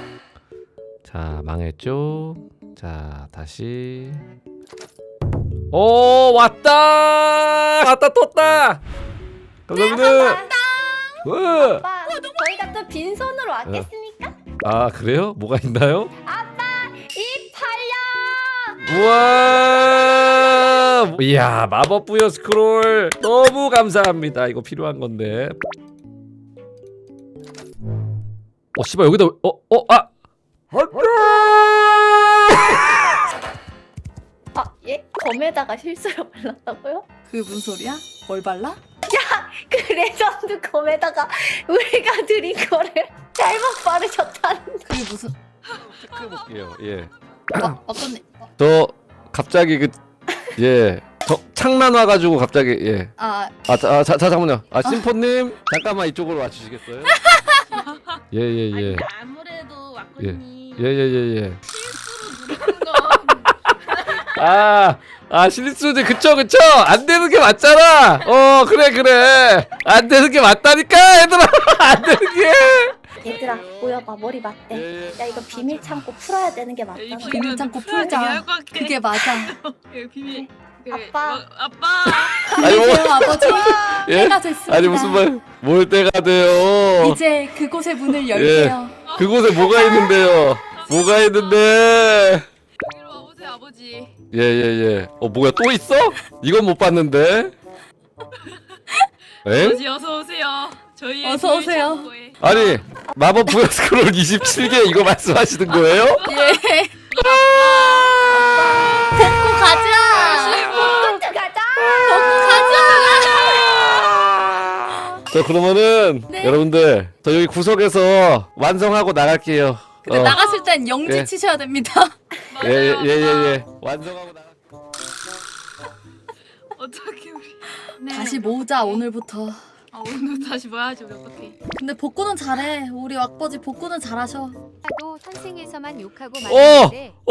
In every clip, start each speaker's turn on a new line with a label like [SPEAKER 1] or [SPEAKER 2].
[SPEAKER 1] 자, 망했죠? 자, 다시. 오, 왔다! 왔다, 떴다! 감사합니다! 와!
[SPEAKER 2] 아빠, 저희가 또 빈손으로 왔겠습니까?
[SPEAKER 1] 아, 그래요? 뭐가 있나요?
[SPEAKER 2] 아빠, 이 팔려!
[SPEAKER 1] 우와! 이야, 마법 부여 스크롤 너무 감사합니다. 이거 필요한 건데. 씨발 여기다
[SPEAKER 2] 예? 검에다가 실수로 발랐다고요?
[SPEAKER 3] 그게 무슨 소리야? 뭘 발라?
[SPEAKER 2] 그 레전드 검에다가 우리가 드린 거를 잘못 바르셨다는데.
[SPEAKER 3] 그게 무슨
[SPEAKER 1] 체크해볼게요. 예.
[SPEAKER 3] 어떤
[SPEAKER 1] 저 갑자기 저 창란 와가지고 갑자기 예. 잠깐만요. 심포님 잠깐만 이쪽으로 와주시겠어요? 예예예.
[SPEAKER 4] 아무래도 왁구님
[SPEAKER 1] 예예예예.
[SPEAKER 4] 실수로 누르는 거
[SPEAKER 1] 실수지. 그쵸 안 되는 게 맞잖아. 그래 안 되는 게 맞다니까 얘들아. 안 되는 게.
[SPEAKER 2] 얘들아, 모여봐. 머리 맞대. 야, 이거 비밀 창고 풀어야 되는 게 맞잖아.
[SPEAKER 3] 비밀 창고 풀자. 그게 맞아.
[SPEAKER 4] 비밀
[SPEAKER 2] 아빠.
[SPEAKER 4] 아빠
[SPEAKER 3] 안녕하세요 아버지.
[SPEAKER 1] 예?
[SPEAKER 3] 때가 됐습니다.
[SPEAKER 1] 아니 무슨 뭘 때가 돼요?
[SPEAKER 3] 이제 그곳의 문을 열게요.
[SPEAKER 1] 그곳에 뭐가 있는데요? 뭐가 있는데?
[SPEAKER 4] 여기로 와보세요 아버지.
[SPEAKER 1] 예예예. 뭐야 또 있어? 이건 못 봤는데. 에?
[SPEAKER 4] 아버지 어서 오세요. 저희의
[SPEAKER 3] 어서
[SPEAKER 4] 비밀
[SPEAKER 3] 오세요.
[SPEAKER 4] 창고에.
[SPEAKER 1] 아니 마법 부여 스크롤 27개 이거 말씀하시는 거예요?
[SPEAKER 3] 예. 복구 가자.
[SPEAKER 2] 콘트 가자!
[SPEAKER 3] 복구 가자.
[SPEAKER 1] 자 그러면은
[SPEAKER 3] 네.
[SPEAKER 1] 여러분들 저 여기 구석에서 완성하고 나갈게요.
[SPEAKER 3] 근데 나갔을 땐 영지
[SPEAKER 1] 예.
[SPEAKER 3] 치셔야 됩니다.
[SPEAKER 1] 예예예. 완성하고 나갈.
[SPEAKER 4] 어떻게 우리 네.
[SPEAKER 3] 다시 모으자 오늘부터.
[SPEAKER 4] 오늘 다시 뭐 하지 우리 어떻게?
[SPEAKER 3] 근데 복구는 잘해. 우리 왁버지 복구는 잘하셔.
[SPEAKER 5] 도 선생에서만 욕하고
[SPEAKER 1] 오!
[SPEAKER 5] 말았는데
[SPEAKER 1] 오!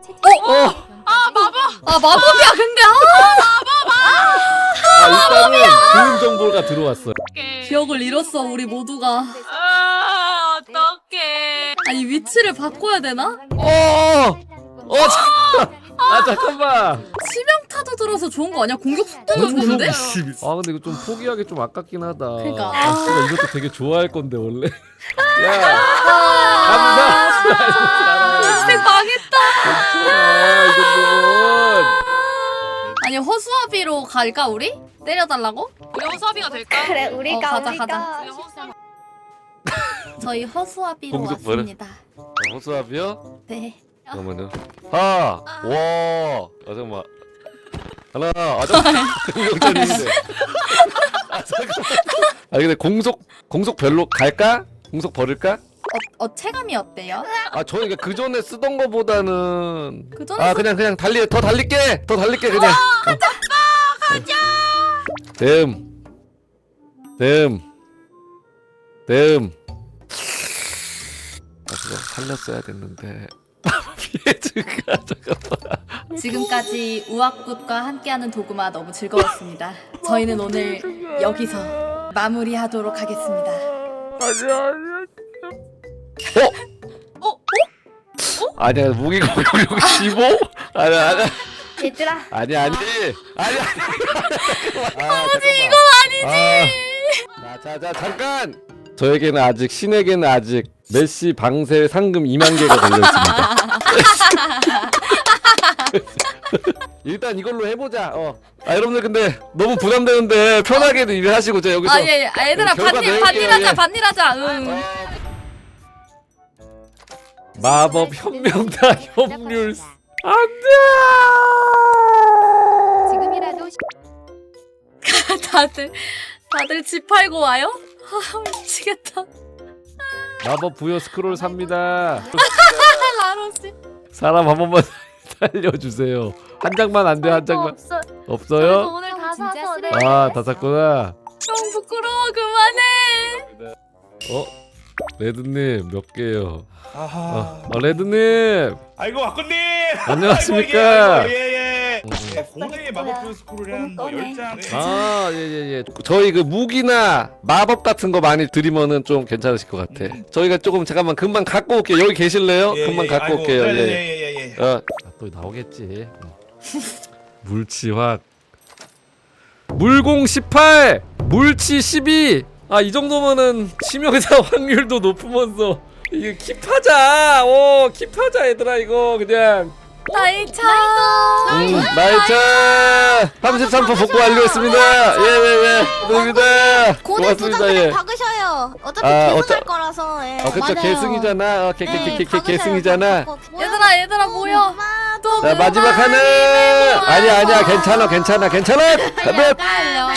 [SPEAKER 3] 마법이야 근데.
[SPEAKER 1] 일단은 좋은 정보가 들어왔어요.
[SPEAKER 3] 기억을 잃었어 우리 모두가.
[SPEAKER 4] 어떡해.
[SPEAKER 3] 아니 위치를 바꿔야 되나?
[SPEAKER 1] 잠깐만.
[SPEAKER 3] 치명타도 들어서 좋은 거 아니야? 공격 속도도 좋은데?
[SPEAKER 1] 근데 이거 좀 포기하기 좀 아깝긴 하다.
[SPEAKER 3] 그러니까.
[SPEAKER 1] 진짜 이것도 되게 좋아할 건데 원래. 야, 감사.
[SPEAKER 3] 인생 망했다.
[SPEAKER 1] 이 정도면.
[SPEAKER 3] 아니 허수아비로 갈까 우리? 때려달라고?
[SPEAKER 4] 우리 허수아비가 될까?
[SPEAKER 2] 그래, 우리가
[SPEAKER 3] 가자,
[SPEAKER 2] 우리가.
[SPEAKER 3] 가자.
[SPEAKER 4] 우리 허수아비.
[SPEAKER 3] 저희 허수아비로
[SPEAKER 1] 공격 뭐래?
[SPEAKER 3] 왔습니다.
[SPEAKER 1] 호수아비요?
[SPEAKER 3] 네.
[SPEAKER 1] 잠깐만요. 와, 잠깐만. 하나, 잠깐만. 공격전인데. 잠깐만. 근데 공속 별로 갈까? 공속 버릴까?
[SPEAKER 3] 체감이 어때요?
[SPEAKER 1] 저는 그 전에 쓰던 거보다는.
[SPEAKER 3] 그 전에
[SPEAKER 1] 그냥 더 달릴게 그냥. 가자. 그거 살렸어야 됐는데. 피해주가 잠깐만.
[SPEAKER 3] 지금까지 우악굿과 함께하는 도구마 너무 즐거웠습니다. 저희는 오늘 여기서 마무리하도록 하겠습니다.
[SPEAKER 1] 아니야 무기 공격 15? 아니야.
[SPEAKER 2] 얘들아,
[SPEAKER 1] 아니. 아버지
[SPEAKER 3] 이건 아니지.
[SPEAKER 1] 자 잠깐. 저에게는 아직 신에게는 아직 메시 방세 상금 2만 개가 걸려 있습니다. 일단 이걸로 해보자. 여러분들 근데 너무 부담되는데 편하게 일을 하시고 저 여기서.
[SPEAKER 3] 예. 얘들아
[SPEAKER 1] 결과 낼게요, 예.
[SPEAKER 3] 반일하자. 응.
[SPEAKER 1] 마법 혁명다 협률. 안돼.
[SPEAKER 5] 지금이라도
[SPEAKER 3] 다들 집 팔고 와요? 미치겠다.
[SPEAKER 1] 마법 부여 스크롤 삽니다.
[SPEAKER 3] 라로씨.
[SPEAKER 1] 사람 한 번만 살려주세요. 한 장만 안 돼, 한 장만.
[SPEAKER 2] 없어.
[SPEAKER 1] 없어요?
[SPEAKER 2] 오늘 다
[SPEAKER 5] 진짜
[SPEAKER 2] 사서
[SPEAKER 5] 쓰레기.
[SPEAKER 2] 내.
[SPEAKER 1] 다 샀구나.
[SPEAKER 3] 형 부끄러워 그만해.
[SPEAKER 1] 레드님 몇 개요?
[SPEAKER 6] 아하.
[SPEAKER 1] 레드님
[SPEAKER 6] 아이고 왁구님.
[SPEAKER 1] 안녕하십니까?
[SPEAKER 6] 예예. 네, 공의 마법 표 스크롤이 한뭐
[SPEAKER 2] 꺼내.
[SPEAKER 6] 10장.
[SPEAKER 1] 아, 예. 저희 그 무기나 마법 같은 거 많이 드리면은 좀 괜찮으실 것 같아. 저희가 조금 잠깐만 금방 갖고 올게요. 여기 계실래요? 금방 갖고 올게요. 예.
[SPEAKER 6] 예예예.
[SPEAKER 1] 또 나오겠지. 물치확. 물공 18, 물치 12. 아, 이 정도면은 치명상 확률도 높으면서 이게 킵하자. 오, 킵하자 얘들아 이거 그냥.
[SPEAKER 3] 나이차.
[SPEAKER 1] 나이차 33% 복구 완료했습니다. 예예예. 감사합니다.
[SPEAKER 7] 고대
[SPEAKER 1] 고맙습니다.
[SPEAKER 7] 부장
[SPEAKER 1] 예.
[SPEAKER 7] 그냥 박으셔요. 어차피
[SPEAKER 1] 아,
[SPEAKER 7] 계승할 거라서. 예.
[SPEAKER 1] 그쵸
[SPEAKER 2] 맞아요.
[SPEAKER 1] 계승이잖아. 계승이잖아.
[SPEAKER 3] 얘들아 모여. 또
[SPEAKER 1] 자 마지막
[SPEAKER 3] 그만.
[SPEAKER 1] 하나. 아니야 괜찮아. 가면.
[SPEAKER 3] 달려.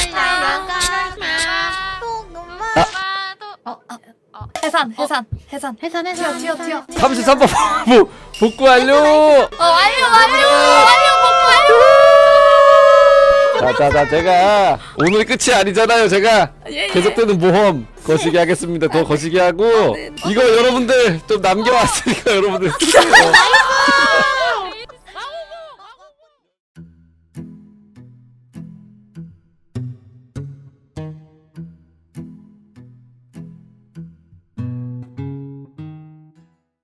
[SPEAKER 3] 해산. 튀어.
[SPEAKER 1] 33% 복구 완료.
[SPEAKER 3] 완료.
[SPEAKER 1] 자, 제가 오늘 끝이 아니잖아요. 제가
[SPEAKER 3] 예.
[SPEAKER 1] 계속되는 모험 거시기 하겠습니다. 더 거시기 하고 이거 여러분들 좀 남겨왔으니까 여러분들